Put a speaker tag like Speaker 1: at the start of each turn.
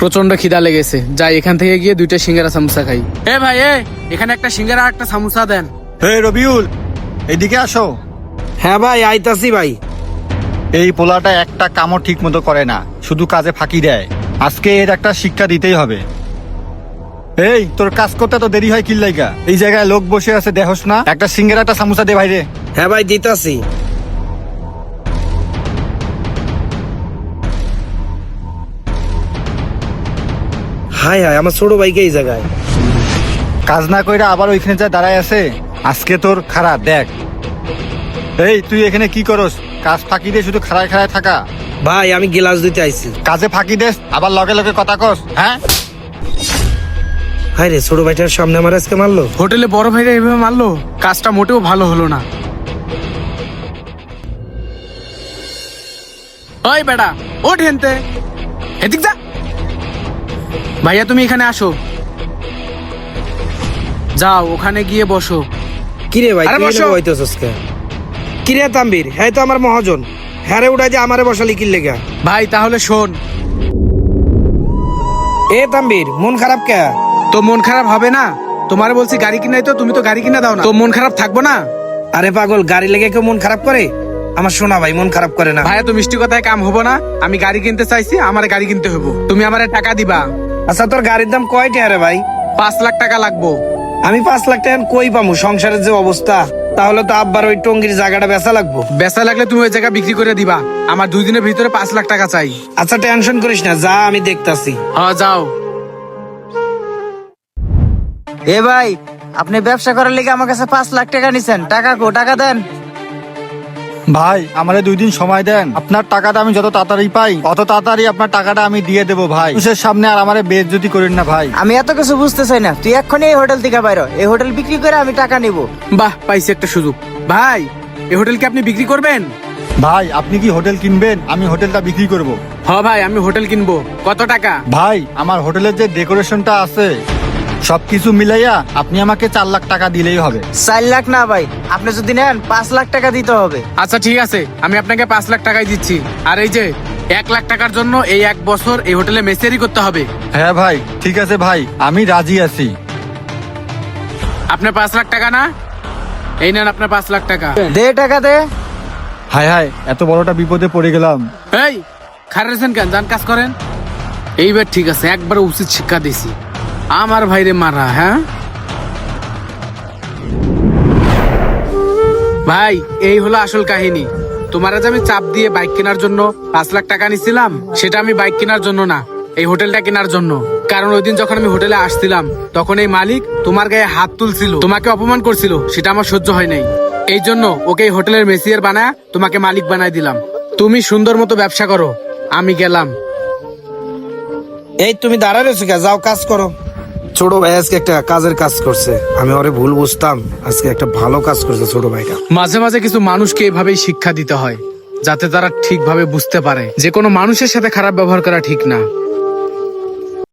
Speaker 1: প্রচন্ড খিদা লেগেছে, যাই এখান থেকে গিয়ে 2টা সিঙ্গারা সামোসা খাই। এ ভাই এখানে একটা সিঙ্গারা আর একটা সামোসা দেন।
Speaker 2: হে রবিউল, এদিকে আসো।
Speaker 3: হ্যাঁ ভাই, আইতাছি ভাই।
Speaker 2: এই পোলাটা একটা কামও ঠিক মতো করে না, শুধু কাজে ফাঁকি দেয়। আজকে এর একটা শিক্ষা দিতেই হবে। এই তোর কাজ করতে তো দেরি হয় কিল্লাইগা? এই জায়গায় লোক বসে আছে দেখোস না? একটা সিঙ্গারা একটা সামোসা দে ভাইরে।
Speaker 3: হ্যাঁ ভাই, দিতাছি। হাই হাই, আমার ছোট ভাইকে এই জায়গায়।
Speaker 2: কাজ না কইরা আবার ওইখানে যা দাঁড়ায় আছে। আজকে তোর খারাপ দেখ। এই তুই এখানে কি করস? কাজ ফাঁকি দিয়ে শুধু খাড়ায় খাড়ায় থাকা।
Speaker 3: ভাই আমি গ্লাস দিতে আইছি।
Speaker 2: কাজে ফাঁকি দেস আবার লগে লগে কথা কস, হ্যাঁ?
Speaker 3: হাই রে, ছোট ভাইটার সামনে আমার আজকে মারলো।
Speaker 1: হোটেলে বড় ভাইরা এভাবে মারলো, কাজটা মোটেও ভালো হলো না। ওই বেটা ওঠ হেনতে, এদিক যা। ভাইয়া তুমি এখানে আসো, যাও ওখানে গিয়ে বসো।
Speaker 3: কিরে ভাই,
Speaker 1: আরে
Speaker 3: তুই
Speaker 1: বসো।
Speaker 3: এনে বইতেছস কে? কিরে তাম্বির, হ্যাঁ তো আমার মহাজন। হ্যাঁ রে, উড়াই যে আমারে বসালি কি লেগা?
Speaker 1: ভাই তাহলে শোন,
Speaker 3: এ তাম্বির, মন খারাপ কে?
Speaker 1: তো মন খারাপ হবে না? তোমারে বলছি গাড়ি কিনাই, তো তুমি তো গাড়ি কিনা দাও না, তো মন খারাপ থাকবো না?
Speaker 3: আরে পাগল, গাড়ি লেগে কেউ মন খারাপ করে? আমার শোনা ভাই মন খারাপ করে না।
Speaker 1: ভাইয়া তো মিষ্টি কথায় কাম হবো না। আমি গাড়ি কিনতে চাইছি, আমার গাড়ি কিনতে হবো, তুমি আমারে টাকা দিবা।
Speaker 3: আচ্ছা, তোর গাড়ির দাম কয়টা রে ভাই?
Speaker 1: 5 লাখ টাকা লাগবো।
Speaker 3: আমি 5 লাখ টাকা কই পামু? সংসারের যে অবস্থা, তাহলে তো আব্বার ওই টঙ্গির জায়গাটা বেচা লাগবো।
Speaker 1: বেচা লাগলে তুমি ওই জায়গা বিক্রি করে দিবা। আমার 2 দিনের ভিতরে 5 লাখ টাকা চাই।
Speaker 3: আচ্ছা টেনশন করিস না, যা আমি দেখতাছি।
Speaker 1: হ্যাঁ যাও।
Speaker 4: এ ভাই, আপনি ব্যবসা করার লেগে আমার কাছে 5 লাখ টাকা নিছেন, টাকা কো? টাকা দেন।
Speaker 2: ভাই আমারে 2 দিন সময় দেন। আপনার টাকাটা আমি যত তাড়াতাড়ি পাই অত তাড়াতাড়ি আপনার টাকাটা আমি দিয়ে দেবো ভাই। মানুষের সামনে আর আমারে বেইজ্জতি করেন না ভাই।
Speaker 4: আমি এত কিছু বুঝতে চাই না, তুই এক্ষুনি এই হোটেল থেকে বাইর হ। এই হোটেল বিক্রি করে আমি টাকা নিব।
Speaker 1: বাহ, পাইছি একটা সুযোগ। ভাই এই হোটেল কি আপনি বিক্রি করবেন?
Speaker 2: ভাই আপনি কি হোটেল কিনবেন? আমি হোটেলটা বিক্রি করব।
Speaker 1: হ্যাঁ ভাই, আমি হোটেল কিনবো। কত টাকা?
Speaker 2: ভাই আমার হোটেলের যে ডেকোরেশনটা আছে সবকিছু মিলাইয়া আপনি আমাকে 4 লাখ টাকা দিলেই হবে।
Speaker 4: 4 লাখ না ভাই, আপনি যদি নেন 5 লাখ টাকা দিতে হবে।
Speaker 1: আচ্ছা ঠিক আছে, আমি আপনাকে 5 লাখ টাকাই দিচ্ছি। আর এই যে 1 লাখ টাকার জন্য এই 1 বছর এই হোটেলে মেসেরি করতে হবে।
Speaker 2: হ্যাঁ ভাই ঠিক আছে ভাই, আমি রাজি আছি।
Speaker 1: আপনার 5 লাখ টাকা না? এই নেন আপনার 5 লাখ টাকা।
Speaker 4: দে টাকা দে।
Speaker 2: হায় হায়, এত বড়টা বিপদে পড়ে গেলাম।
Speaker 1: এই খারেছেন কেন? যান কাজ করেন। এইবার ঠিক আছে, একবার উচিত শিক্ষা দিছি। আমার ভাইরে মারা, হ্যাঁ ভাই, এই হলো আসল কাহিনী। তোমার আজ আমি চাপ দিয়ে বাইক কেনার জন্য 5 লাখ টাকা নিছিলাম, সেটা আমি বাইক কেনার জন্য না, এই হোটেলটা কেনার জন্য। কারণ ওই দিন যখন আমি হোটেলে আসছিলাম তখন এই মালিক তোমার গায়ে হাত তুলছিল, তোমাকে অপমান করছিল, সেটা আমার সহ্য হয় নাই। এই জন্য ওকে এই হোটেলের মেসিয়ার বানায় তোমাকে মালিক বানায় দিলাম। তুমি সুন্দর মতো ব্যবসা করো, আমি গেলাম।
Speaker 3: এই তুমি দাঁড়ায় রয়েছো কে? যাও কাজ করো। ছোট ভাই আজকে একটা কাজের কাজ করছে, আমি ওরে ভুল বুঝতাম, আজকে একটা ভালো কাজ করছে ছোট ভাইটা।
Speaker 1: মাঝে মাঝে কিছু মানুষকে এভাবেই শিক্ষা দিতে হয়, যাতে তারা ঠিকভাবে বুঝতে পারে যে কোনো মানুষের সাথে খারাপ ব্যবহার করা ঠিক না।